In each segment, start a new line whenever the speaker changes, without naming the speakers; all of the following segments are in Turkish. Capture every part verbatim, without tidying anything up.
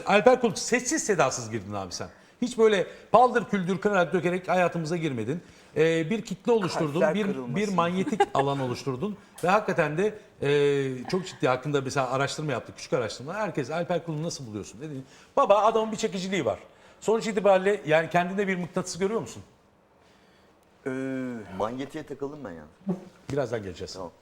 Alper Kul, sessiz sedasız girdin abi sen. Hiç böyle paldır küldür kırarak dökerek hayatımıza girmedin. Ee, bir kitle oluşturdun,
Kalpler
bir,
kırılmasın.
bir manyetik alan oluşturdun ve hakikaten de e, çok ciddi hakkında mesela araştırma yaptık, küçük araştırma. Herkes Alper Kul'u nasıl buluyorsun dedi. Baba adamın bir çekiciliği var. Sonuç itibariyle yani kendinde bir mıknatıs görüyor musun?
Ee,
Manyetiğe takıldım ben ya.
Birazdan geleceğiz.
Tamam.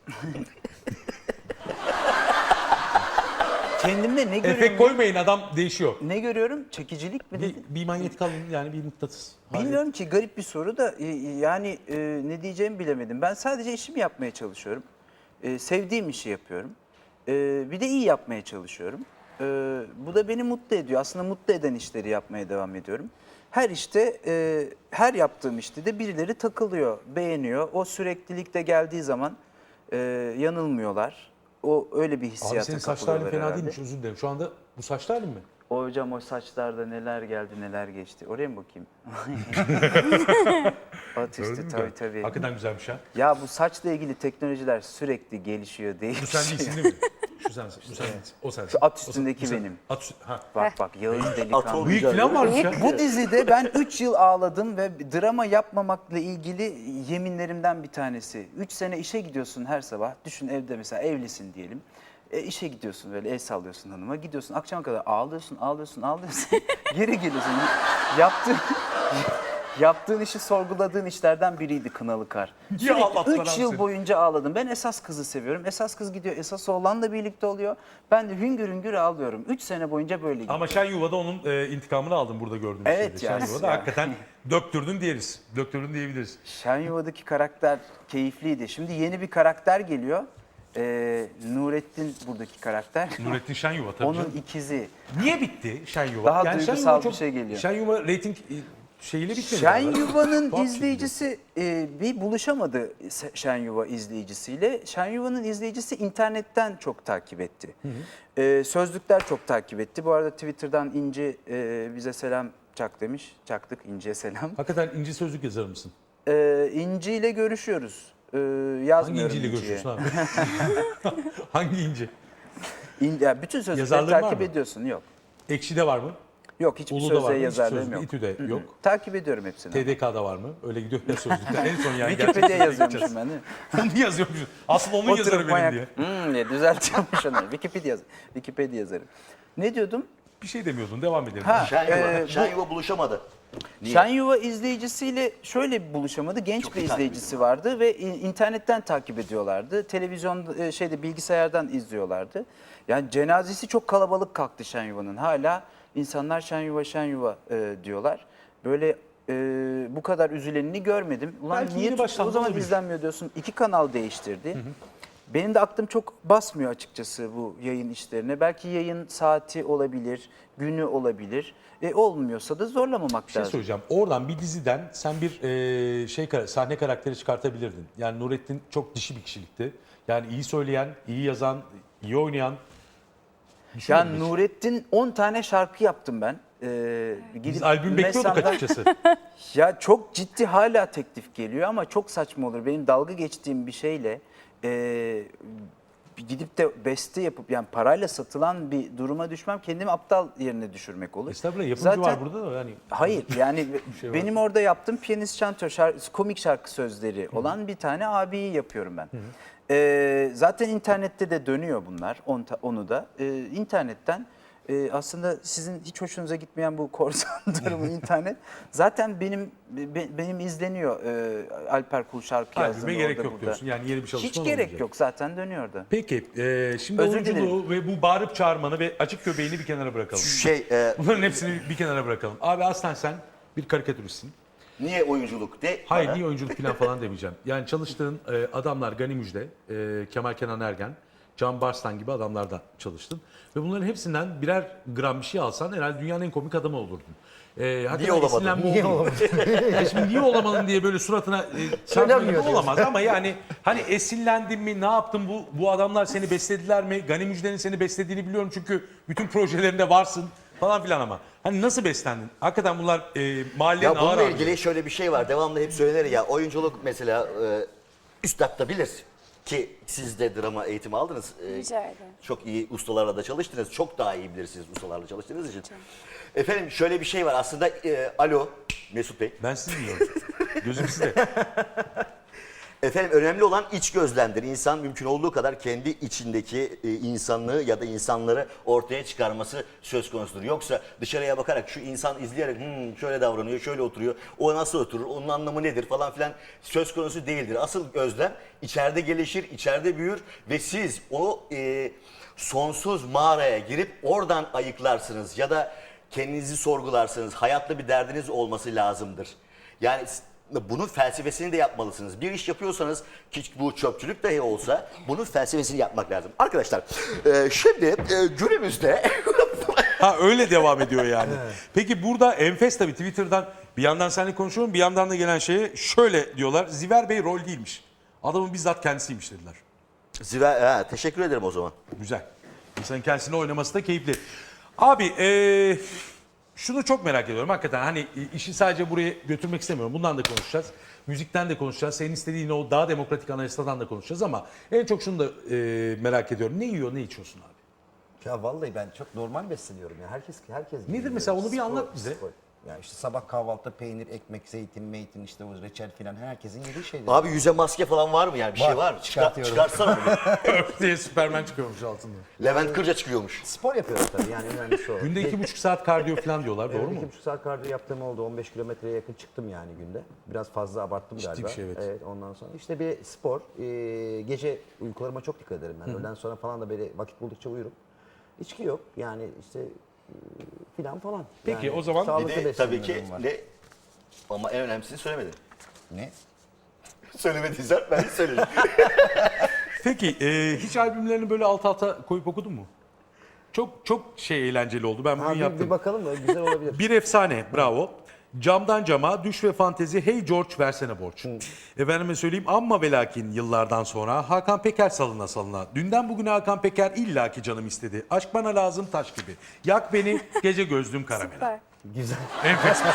kendimde ne görüyorum?
Efekt koymayın, adam değişiyor.
Ne görüyorum? Çekicilik mi
Bir,
dedin?
bir manyetik alan yani bir mıknatıs.
Bilmiyorum ki, garip bir soru da e, yani e, ne diyeceğimi bilemedim. Ben sadece işimi yapmaya çalışıyorum. E, sevdiğim işi yapıyorum. E, bir de iyi yapmaya çalışıyorum. E, bu da beni mutlu ediyor. Aslında mutlu eden işleri yapmaya devam ediyorum. Her işte, e, her yaptığım işte de birileri takılıyor, beğeniyor. O süreklilikte geldiği zaman e, yanılmıyorlar. O öyle bir
Abi
hissiyata
senin saçların
kapılıyorlar
fena
herhalde.
değilmiş, özür dilerim. Şu anda bu saçlı halin mi?
O hocam, o saçlarda neler geldi neler geçti. Oraya mı bakayım? At
Gördün
üstü
mü?
tabii tabii.
Hakikaten güzelmiş ha.
Ya bu saçla ilgili teknolojiler sürekli gelişiyor,
Bu
değişiyor.
sen değilsin değil mi? Şu sensin, bu sen değilsin. O sensin.
Şu at
O sen-
üstündeki
bu sen-
benim.
At üstü, ha.
Bak bak, Yağız delikanlı.
Bıyık falan varmış ya.
Bu dizide ben üç yıl ağladım ve drama yapmamakla ilgili yeminlerimden bir tanesi. üç sene işe gidiyorsun her sabah. Düşün, evde mesela evlisin diyelim. E, işe gidiyorsun, böyle el sallıyorsun hanıma. Gidiyorsun akşama kadar ağlıyorsun, ağlıyorsun, ağlıyorsun. Geri geliyorsun. Yaptığın, yaptığın işi sorguladığın işlerden biriydi Kınalı Kar.
Ya Allah
Sürekli
belanı
üç yıl
seni.
boyunca ağladım. Ben esas kızı seviyorum. Esas kız gidiyor, esas oğlanla birlikte oluyor. Ben de hüngür hüngür ağlıyorum. üç sene boyunca böyle gidiyor.
Ama Şen Yuva'da onun e, intikamını aldın burada gördüğümüz
Evet
şeyde.
ya.
Şen Yuva'da
Ya.
hakikaten döktürdün diyeriz. Döktürdün diyebiliriz.
Şen Yuva'daki karakter keyifliydi. Şimdi yeni bir karakter geliyor. Ee, Nurettin buradaki karakter.
Nurettin Şen Yuva tabii
Onun
canım.
ikizi.
Niye bitti Şen Yuva?
Daha
Şen
duygusal
Yuva
bir
çok-
şey geliyor.
Şen Yuva reyting e, şeyiyle bitmedi.
Şen
galiba.
Yuva'nın
Tuhaf
izleyicisi e, bir buluşamadı Şen Yuva izleyicisiyle. Şen Yuva'nın izleyicisi internetten çok takip etti. E, sözlükler çok takip etti. Bu arada Twitter'dan İnci e, bize selam çak demiş. Çaktık İnci'ye selam.
Hakikaten inci sözlük yazar mısın?
E, İnci ile görüşüyoruz. E,
Hangi
yazmıyorum
inciyle
İnci'ye.
görüşüyorsun abi? Hangi inci?
İn, ya bütün sözlükleri
Yazarlığın var
takip
mı?
ediyorsun. Yok.
Ekşi'de var mı?
Yok, hiçbir
Ulu'da var
sözlüğe
mı? Hiçbir
yazarlığım
sözlük,
yok.
İTÜ'de yok.
Takip ediyorum hepsini.
T D K'da var mı? Öyle gidiyor ya sözlükler. En son yani.
Wikipedia
gerçek sözlüğe
yazıyormuşum
gideceğiz.
ben değil mi?
Onu yazıyormuşum. Asıl onun yazarı
Oturup
benim
manyak.
diye.
Hmm diye düzeltiyormuş onu. Wikipedia, yaz- Wikipedia yazarım. Ne diyordum?
Bir şey demiyordun. Devam edelim.
Ha,
Şen Yuva,
e,
Şen Yuva buluşamadı. Niye?
Şen Yuva izleyicisiyle şöyle bir buluşamadı. Genç
Çok
bir
iyi takip
izleyicisi vardı ve in- internetten takip ediyorlardı. Televizyon e, şeyde bilgisayardan izliyorlardı. Yani cenazesi çok kalabalık kalktı Şen Yuva'nın. Hala insanlar Şen Yuva, Şen Yuva e, diyorlar. Böyle e, bu kadar üzülenini görmedim. Ulan
Belki
niye
yeni
tuttu, o
başlandı
zaman
olabilir.
izlenmiyor diyorsun. İki kanal değiştirdi. Benim de aklım çok basmıyor açıkçası bu yayın işlerine. Belki yayın saati olabilir, günü olabilir. E, olmuyorsa da zorlamamak
Bir şey
lazım.
söyleyeceğim. Oradan bir diziden sen bir e, şey kara- sahne karakteri çıkartabilirdin. Yani Nurettin çok dişi bir kişilikti. Yani iyi söyleyen, iyi yazan, iyi oynayan.
Ya
Düşünmedim hiç.
Nurettin on tane şarkı yaptım ben. Ee,
Biz
gidip
albüm bekliyorduk
Mesam'dan-
açıkçası.
Ya çok ciddi hala teklif geliyor ama çok saçma olur. Benim dalga geçtiğim bir şeyle e, gidip de beste yapıp yani parayla satılan bir duruma düşmem kendimi aptal yerine düşürmek olur.
Estağfurullah yapımcı
Zaten-
var burada da yani.
Hayır yani
şey var.
benim orada yaptığım piyanist şantör şarkı, komik şarkı sözleri olan bir tane abiyi yapıyorum ben. Ee, zaten internette de dönüyor bunlar on ta- onu da. Ee, internetten e, aslında sizin hiç hoşunuza gitmeyen bu korsan durumu internet zaten benim be- benim izleniyor e, Alper Kul şarkı
Albüme
yazdığında
gerek
orada
yok
burada.
diyorsun. Yani yeni bir çalışma
Hiç
da
gerek
olmayacak.
yok, zaten dönüyor da.
Peki e, şimdi
Özür
oyunculuğu ve bu bağırıp çağırmanı ve açık göbeğini bir kenara bırakalım.
Şey, e,
Bunların hepsini bir kenara bırakalım. Abi aslen sen bir karikatüristsin.
niye oyunculuk de?
Hayır
bana.
niye oyunculuk falan falan demeyeceğim. Yani çalıştığın e, adamlar Gani Müjde, e, Kemal Kenan Ergen, Can Barslan gibi adamlarda çalıştın. Ve bunların hepsinden birer gram bir şey alsan herhalde dünyanın en komik adamı olurdun. E, hakikaten
olamadın?
esinlenme
Niye
oldu.
olamadın?
Yani şimdi niye olamadın diye böyle suratına e, çarpmak
Söylemiyor
gibi olamaz ama yani hani esinlendin mi, ne yaptın, bu bu adamlar seni beslediler mi? Gani Müjde'nin seni beslediğini biliyorum çünkü bütün projelerinde varsın falan filan ama. Hani nasıl beslendin? Hakikaten bunlar e, mahallenin
Ya
ağır
bununla
abi.
ilgili şöyle bir şey var. Devamlı hep söylenir ya oyunculuk mesela e, üstad da bilir. ki siz de drama eğitimi aldınız. Ee,
Rica ederim.
Çok iyi ustalarla da çalıştınız. Çok daha iyi bilirsiniz ustalarla çalıştığınız için. Efendim şöyle bir şey var aslında. E, alo Mesut Bey.
Ben sizi dinliyorum. Gözüm sizde.
Efendim önemli olan iç gözlemdir. İnsan mümkün olduğu kadar kendi içindeki e, insanlığı ya da insanları ortaya çıkarması söz konusudur. Yoksa dışarıya bakarak şu insan izleyerek "Hmm, şöyle davranıyor, şöyle oturuyor, o nasıl oturur, onun anlamı nedir falan filan söz konusu değildir. Asıl gözlem içeride gelişir, içeride büyür ve siz o e, sonsuz mağaraya girip oradan ayıklarsınız ya da kendinizi sorgularsınız. Hayatta bir derdiniz olması lazımdır. Yani bunun felsefesini de yapmalısınız. Bir iş yapıyorsanız ki bu çöpçülük dahi olsa bunun felsefesini yapmak lazım. Arkadaşlar e, şimdi e, günümüzde
Ha öyle devam ediyor yani. Peki burada enfes tabii Twitter'dan bir yandan seninle konuşuyorum bir yandan da gelen şeye şöyle diyorlar. Ziver Bey rol değilmiş. Adamın bizzat kendisiymiş dediler.
Ziver, ha, teşekkür ederim o zaman.
Güzel. İnsanın kendisine oynaması da keyifli. Abi eee, şunu çok merak ediyorum hakikaten hani işi sadece buraya götürmek istemiyorum. Bundan da konuşacağız. Müzikten de konuşacağız. Senin istediğin o daha demokratik anayasadan da konuşacağız ama en çok şunu da eee, merak ediyorum. Ne yiyor ne içiyorsun abi?
Ya vallahi ben çok normal besleniyorum ya. Herkes herkes gibi
Nedir
yiyor.
mesela? Onu bir
Spor-
anlat bize.
spor. Ya işte sabah kahvaltıda peynir, ekmek, zeytin, meytin işte o reçel filan herkesin yediği şeyler.
Abi yüze maske falan var mı yani bir
Var,
şey var mı? Çıkar,
çıkartıyorum.
çıkarsana bunu.
Öf diye Süpermen çıkıyormuş altında.
Levent Kırca çıkıyormuş.
Spor yapıyorum tabii yani önemlisi o.
Günde iki buçuk saat kardiyo falan diyorlar doğru
Evet,
mu?
iki buçuk saat kardiyo yaptığım oldu. on beş kilometreye yakın çıktım yani günde. Biraz fazla abarttım
Ciddi
galiba.
bir şey, evet.
Ondan sonra işte bir spor. Ee, gece uykularıma çok dikkat ederim ben. Öğleden sonra falan da böyle vakit buldukça uyurum. İçki yok yani işte e, filan falan.
Peki,
Yani
o zaman-
Bir
sağlıklı
de tabii ki
beslenmelerim var.
ne ama en önemlisini söylemedin.
Ne?
Söylemediysen ben söyleyeyim.
Peki eee, hiç albümlerini böyle alt alta koyup okudun mu? Çok çok şey eğlenceli oldu. Ben bugün
Ha, bir,
yaptım.
bir bakalım da güzel olabilir.
Bir efsane, bravo. Camdan cama, düş ve fantezi, hey George versene borç. Efendime söyleyeyim amma ve lakin yıllardan sonra Hakan Peker salına salına. Dünden bugüne Hakan Peker illaki canım istedi. Aşk bana lazım taş gibi. Yak beni gece gözlüm karamela.
Süper.
Güzel.
Enfesmiş.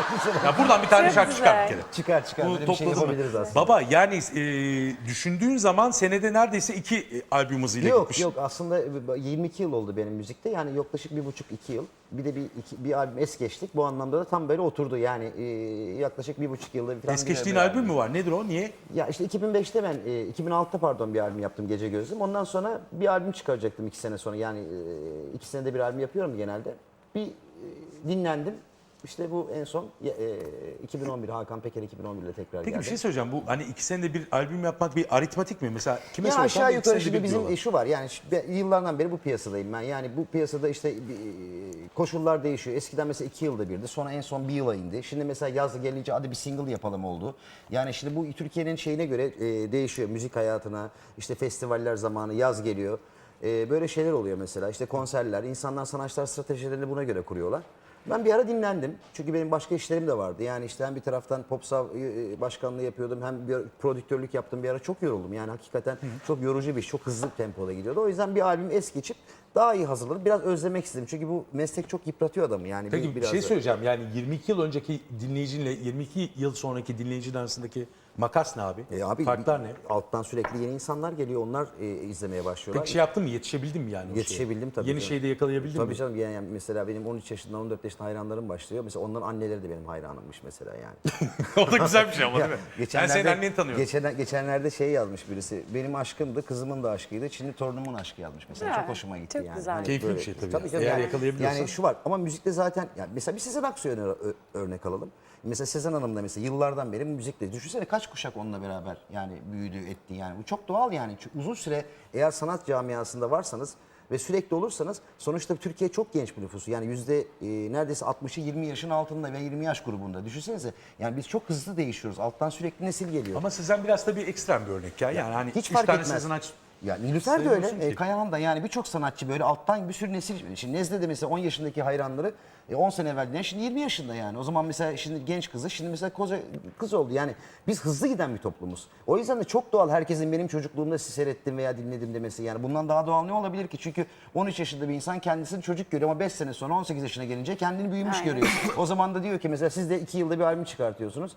Ya buradan bir tane
Çok
şarkı çıkar bir
güzel.
kere.
Çıkar çıkar.
Bunu
Böyle bir şey
topladın mı?
yapabiliriz aslında.
Baba yani e, düşündüğün zaman senede neredeyse iki e, albüm hızıyla
Yok
gitmiş.
yok aslında yirmi iki yıl oldu benim müzikte yani yaklaşık bir buçuk iki yıl. Bir de bir, iki, bir albüm es geçtik. Bu anlamda da tam böyle oturdu yani e, yaklaşık bir buçuk yılda bir falan.
Es
bir-
geçtiğin
bir
albüm mü var? Nedir o? Niye?
Ya işte iki bin beşte ben, e, iki bin altıda pardon bir albüm yaptım Gece Gözlüm. Ondan sonra bir albüm çıkaracaktım iki sene sonra. Yani e, iki senede bir albüm yapıyorum genelde. Bir e, dinlendim. İşte bu en son e, iki bin on bir Hakan Peker iki bin on bir ile tekrar
Peki
geldi.
bir şey söyleyeceğim. Bu hani iki senede bir albüm yapmak bir aritmatik mi? Mesela kime
Ya
sorsan
aşağı
bir iki
yukarı
senede
şimdi
bir
bizim
diyorlar.
şu var yani şu- ben yıllardan beri bu piyasadayım ben. Yani bu piyasada işte e, koşullar değişiyor. Eskiden mesela iki yılda birdi. Sonra en son bir yıla indi. Şimdi mesela yaz gelince hadi bir single yapalım oldu. Yani şimdi bu Türkiye'nin şeyine göre e, değişiyor. Müzik hayatına işte festivaller zamanı yaz geliyor. E, böyle şeyler oluyor mesela. İşte konserler. İnsanlar sanatçılar stratejilerini buna göre kuruyorlar. Ben bir ara dinlendim. Çünkü benim başka işlerim de vardı. Yani işte hem bir taraftan Popsav e, başkanlığı yapıyordum hem bir prodüktörlük yaptım. Bir ara çok yoruldum. Yani hakikaten çok yorucu bir iş. Çok hızlı tempoda gidiyordu. O yüzden bir albüm es geçip daha iyi hazırladım. Biraz özlemek istedim. Çünkü bu meslek çok yıpratıyor adamı. Yani
Peki bir
biraz
şey
da-
söyleyeceğim. Yani yirmi iki yıl önceki dinleyicinle yirmi iki yıl sonraki dinleyicinin arasındaki makas ne abi?
E abi
Farklar
bir-
ne?
Alttan sürekli yeni insanlar geliyor. Onlar e, izlemeye başlıyorlar.
Peki şey yaptın mı? Yetişebildin mi yani? o şeye?
Yetişebildim tabii.
Yeni
canım.
şeyi de yakalayabildin
Tabii
mi?
canım yani yani mesela benim on üç yaşından on dört yaşında hayranlarım başlıyor. Mesela onların anneleri de benim hayranımmış mesela yani.
O da güzel bir şey ama değil mi? Ben
Geçenlerde-
senin anneni tanıyorum.
Geçen, geçenlerde şey yazmış birisi. Benim aşkımdı, kızımın da aşkıydı. Şimdi torunumun aşkı yazmış mesela.
Ha,
çok hoşuma gitti
çok
yani.
güzel.
Keyifli
böyle-
bir şey tabii.
canım
Eğer
yani,
yakalayabiliyorsan.
yani şu var ama müzikte zaten yani mesela bir Sezen Aksu'ya öne- ö- örnek alalım. Mesela Sezen Hanım da mesela yıllardan beri müzikle. Düşünsene kaç kuşak onunla beraber yani büyüdü etti yani. Bu çok doğal yani. Çünkü uzun süre eğer sanat camiasında varsanız ve sürekli olursanız sonuçta Türkiye çok genç bir nüfusu. Yani yüzde e, neredeyse altmışı yirmi yaşın altında ve yirmi yaş grubunda. Düşünsenize yani biz çok hızlı değişiyoruz. Alttan sürekli nesil geliyor.
Ama Sezen biraz tabii ekstrem bir örnek ya. Yani hani
Hiç
üç
fark
tane
etmez.
Sezen Aksu.
Ya Nilüfer de öyle,
Sayıyorsun
e,
ki.
Kayahan da yani birçok sanatçı böyle alttan bir sürü nesil. Şimdi Nezle de mesela on yaşındaki hayranları e, on sene evvel dinleyen şimdi yirmi yaşında yani. O zaman mesela şimdi genç kızı şimdi mesela koca kız oldu. Yani biz hızlı giden bir toplumuz. O yüzden de çok doğal herkesin benim çocukluğumda sizi seyrettim veya dinledim demesi. Yani bundan daha doğal ne olabilir ki? Çünkü on üç yaşında bir insan kendisini çocuk görüyor ama beş sene sonra on sekiz yaşına gelince kendini büyümüş
Aynen.
görüyor. O zaman da diyor ki mesela siz de iki yılda bir albüm çıkartıyorsunuz.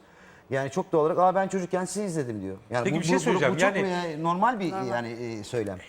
Yani çok doğal olarak aa ben çocukken sizi izledim diyor. Yani
Peki
bu,
bir şey
bu- bu-
söyleyeceğim.
Bu, çok
Yani-
e, normal bir yani e, söylem.